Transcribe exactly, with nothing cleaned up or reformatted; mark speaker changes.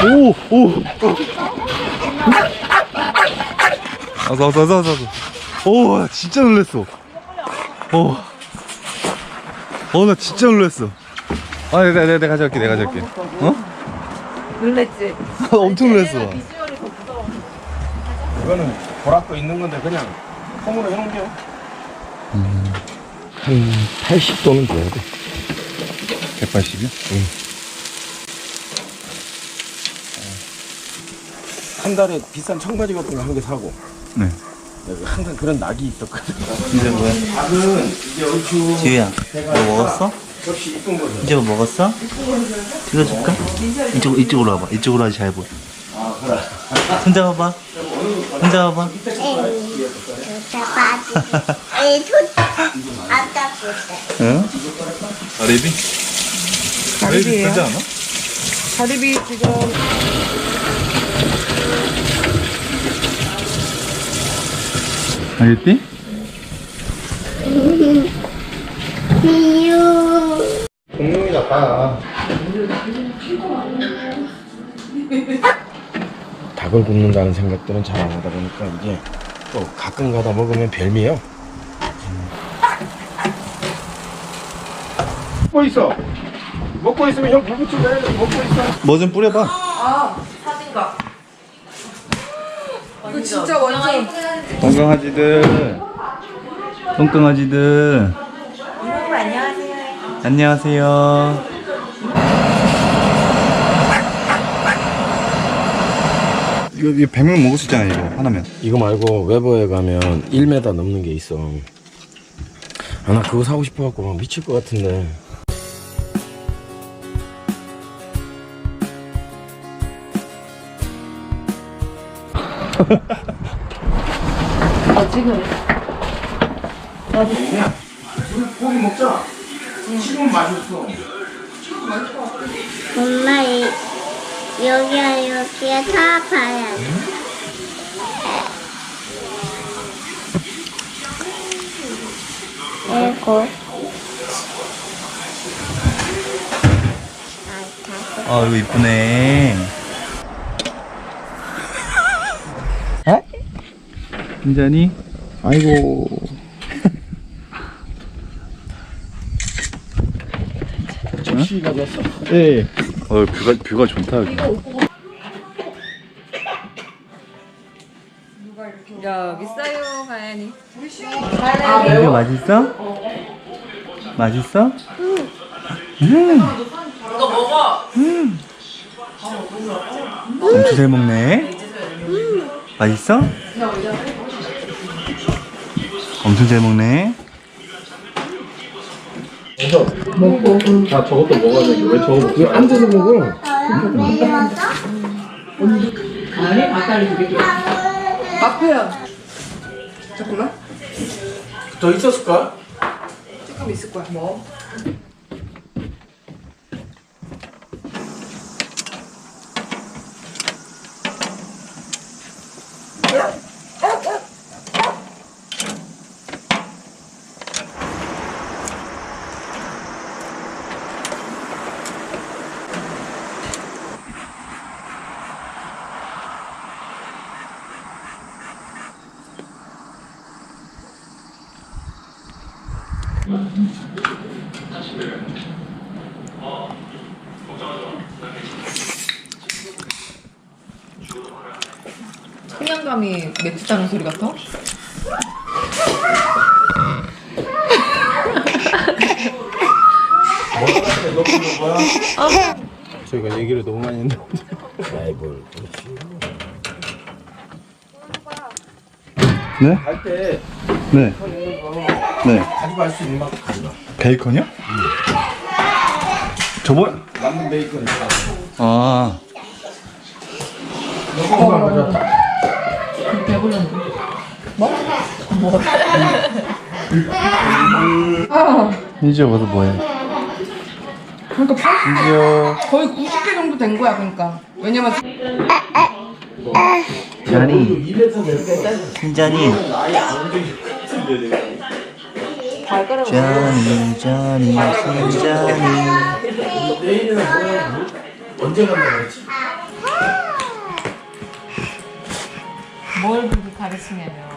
Speaker 1: 오, 오. 아서, 아서, 아서, 아서. 오, 나 진짜 놀랬어. 오. 어, 나 진짜 놀랬어. 아, 내가, 내가, 내가 가져갈게, 내가 가져갈게. 어?
Speaker 2: 놀랬지?
Speaker 1: 엄청 놀랬어.
Speaker 2: 비주얼이 더 무서워.
Speaker 3: 이거는 보라고 있는 건데 그냥 콩으로 해놓은겨.
Speaker 1: 음.
Speaker 3: 한 팔십 도는 줘야 돼.
Speaker 1: 백팔십이요?
Speaker 3: 응. 한 달에 비싼 청바지 같은 거 한 개 사고.
Speaker 1: 네.
Speaker 3: 내가 항상 그런 낙이 있었거든.
Speaker 1: 이제 뭐야?
Speaker 3: 닭은 이제 얼추
Speaker 4: 지우야, 너 먹었어?
Speaker 3: 접시 이쁜 거죠.
Speaker 4: 이제 뭐 먹었어? 찍어줄까? 이쪽, 이쪽으로 와봐. 이쪽으로 하지 잘 보여.
Speaker 3: 아 그래.
Speaker 4: 손 잡아봐. 손 잡아봐.
Speaker 1: 응? 가리비?
Speaker 2: 가리비예요.
Speaker 1: 크지 않아?
Speaker 2: 가리비 지금
Speaker 1: 알겠지?
Speaker 3: 공룡이다 다. 닭을 굽는다는 생각들은 잘 안 하다 보니까 이게 또 가끔 가다 먹으면 별미예요. 먹고 있어. 먹고 있으면 형 불 붙이고 해. 먹고 있어.
Speaker 1: 뭐 좀 뿌려봐.
Speaker 2: 아 사진가. 이거 진짜 완전.
Speaker 1: 똥강아지들. 똥강아지들.
Speaker 2: 안녕하세요.
Speaker 1: 안녕하세요. 이거, 이거 백 명 먹을 수 있잖아, 이거. 하나면.
Speaker 3: 이거 말고 외버에 가면 일 미터 넘는 게 있어. 아, 나 그거 사고 싶어갖고 막 미칠 것 같은데.
Speaker 2: 어 지금.
Speaker 3: 그냥 우리 고기 먹자. 지금 맛있어.
Speaker 5: 엄마 이, 여기야 여기야 다 봐야 돼. 이거
Speaker 4: 아, 이거 이쁘네.
Speaker 1: 진짜니? 아이고.
Speaker 3: 접시 가져왔어.
Speaker 1: 예. 어, 뷰가, 뷰가 좋다, 여기.
Speaker 2: 여기 있어요 가연이.
Speaker 4: 이거 맛있어? 맛있어? 음.
Speaker 2: 이거 먹어.
Speaker 4: 음. 엄청 잘 먹네. 맛있어? 엄청 잘 먹네.
Speaker 3: 아, 저것도 먹어야 돼. 왜 저거 먹지? 앉아서 먹어.
Speaker 2: 마표야. 잠깐만.
Speaker 3: 더 있었을까?
Speaker 2: 조금 있을 거야. 뭐? 포만감이 맥주 짜는 소리 같아?
Speaker 3: 저희가 얘기를 너무 많이 했는데. 라이벌.
Speaker 1: 네?
Speaker 3: 갈때
Speaker 1: 네. 네.
Speaker 3: 가지고 갈 수 있는 만큼 가져가.
Speaker 1: 베이컨이요? 응. 저번,
Speaker 3: 남는 베이컨 있어.
Speaker 1: 아.
Speaker 3: 너무 가져왔다.
Speaker 2: 배불렀는데. 뭐? 뭐? 아,
Speaker 1: 이제 와서 뭐해?
Speaker 2: 그러니까 팔십
Speaker 1: 이제요.
Speaker 2: 거의 구십 개 정도 된 거야, 그러니까. 왜냐면
Speaker 4: 잔이, 신잔이,
Speaker 2: 발가락을
Speaker 4: 잔이, 잔이, 신잔이.
Speaker 3: 내일은 언제 간다고 했지?
Speaker 6: 뭘 그렇게 가르치냐면